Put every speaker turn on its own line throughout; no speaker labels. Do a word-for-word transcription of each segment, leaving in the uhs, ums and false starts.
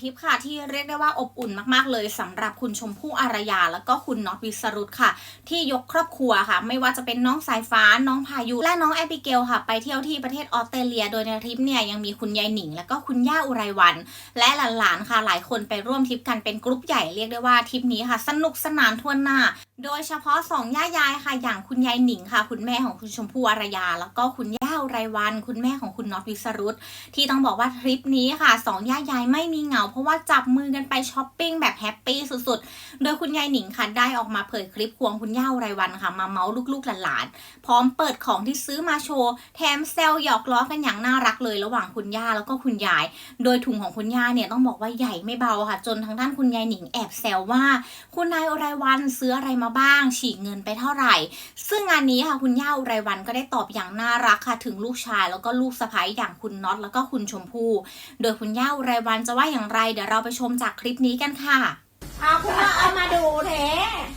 ริปค่ะที่เรียกได้ว่าอบอุ่นมากๆเลยสำหรับคุณชมพู่อารยาแล้วก็คุณน็อตวิสรุตค่ะที่ยกครอบครัวค่ะไม่ว่าจะเป็นน้องสายฟ้าน้องพายุและน้องแอบิเกลค่ะไปเที่ยวที่ประเทศออสเตรเลียโดยในทริปเนี่ยยังมีคุณยายหนิงแล้วก็คุณย่าอุไรวันและหลานๆค่ะหลายคนไปร่วมทริปกันเป็นกรุ๊ปใหญ่เรียกได้ว่าทริปนี้ค่ะสนุกสนานทั่วหน้าโดยเฉพาะสองย่ายายค่ะอย่างคุณยายหนิงค่ะคุณแม่ของคุณชมพู่อารยาแล้วก็คุณย่าอุไรวันคุณแม่ของคุณน็อตวิสรุตที่ต้องบอกว่าทริปนี้ค่ะสองย่ายายไม่มีเหงาเพราะว่าจับมือกันไปช้อปปิ้งแบบแฮปปี้สุดๆโดยคุณยายหนิงค่ะได้ออกมาเผยคลิปควงคุณย่าอุไรวันค่ะมาเมาส์ลูกๆหลานๆพร้อมเปิดของที่ซื้อมาโชว์แถมแซวหยอกล้อกันอย่างน่ารักเลยระหว่างคุณย่าแล้วก็คุณยายโดยถุงของคุณย่าเนี่ยต้องบอกว่าใหญ่ไม่เบาค่ะจนทางด้านคุณยายหนิงแอบแซวว่าคุณนายอุไรวันซื้ออะไรมาบ้างฉีกเงินไปเท่าไหร่ซึ่งงานนี้ค่ะคุณย่าอุไรวันก็ได้ตอบอย่างน่ารักค่ะถึงลูกชายแล้วก็ลูกสะใภ้อย่างคุณน็อตแล้วก็คุณชมพู่โดยคุณย่าอุไรวันจะว่าอย่างไรเดี๋ยวเราไปชมจากคลิปนี้กันค่ะ
เอาคุณมาเอามาดูแท้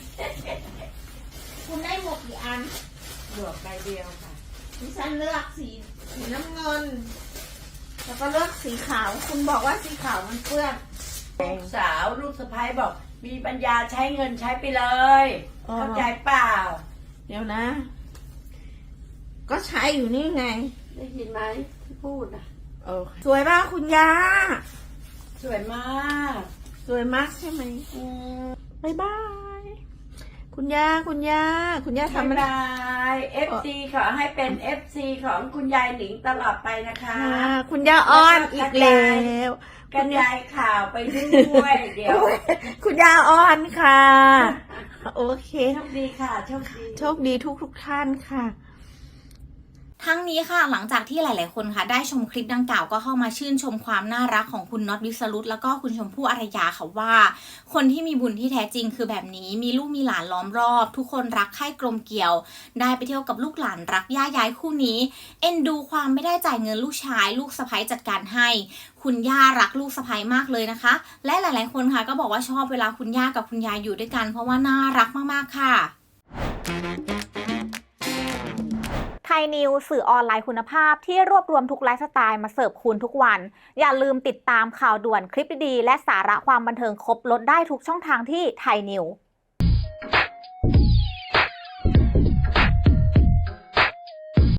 คุณได้หมวกกี่อัน
หมวกใบเดียวค่ะ
ดิฉันเลือกสีสีน้ำเงินแล้วก็เลือกสีขาวคุณบอกว่าสีขาวมันเปื้อน
ลูกสาวลูกสะใภ้บอกมีปัญญาใช้เงินใช้ไปเลยเข้าใจเปล่า
เดี๋ยวนะ ก็ใช้อยู่นี่ไง
ได้ยินไหมที่พูดอ่ะ
โอ้สวยมากคุณย่า
สวยมาก
สวยมากใช่ไหมอืมบายบายคุณย่าคุณย่าคุณย่าทำอะไร
เอฟซีขอให้เป็นเอฟซีของคุณยายหนิงตลอดไปนะคะ
คุณย่าอ้อนอีกแล้ว
กระจายข่าวไปด้วยเดี๋ยว
คุณย่าอ้อนค่ะโอเค
โชคดีค่ะโชคดี
โชคดีทุกทุกท่านค่ะ
ทั้งนี้ค่ะหลังจากที่หลายๆคนค่ะได้ชมคลิปดังกล่าวก็เข้ามาชื่นชมความน่ารักของคุณน็อตวิสรุตแล้วก็คุณชมพู่อารยาค่ะว่าคนที่มีบุญที่แท้จริงคือแบบนี้มีลูกมีหลานล้อมรอบทุกคนรักใคร่กลมเกลียวได้ไปเที่ยวกับลูกหลานรักย่ายายคู่นี้เอ็นดูความไม่ได้จ่ายเงินลูกชายลูกสะใภ้จัดการให้คุณย่ารักลูกสะใภ้มากเลยนะคะและหลายๆคนค่ะก็บอกว่าชอบเวลาคุณย่ากับคุณยายอยู่ด้วยกันเพราะว่าน่ารักมากๆค่ะ
ไทยนิวสื่อออนไลน์คุณภาพที่รวบรวมทุกไลฟ์สไตล์มาเสิร์ฟคุณทุกวันอย่าลืมติดตามข่าวด่วนคลิปดีๆและสาระความบันเทิงครบลดได้ทุกช่องทางที่ไทยนิว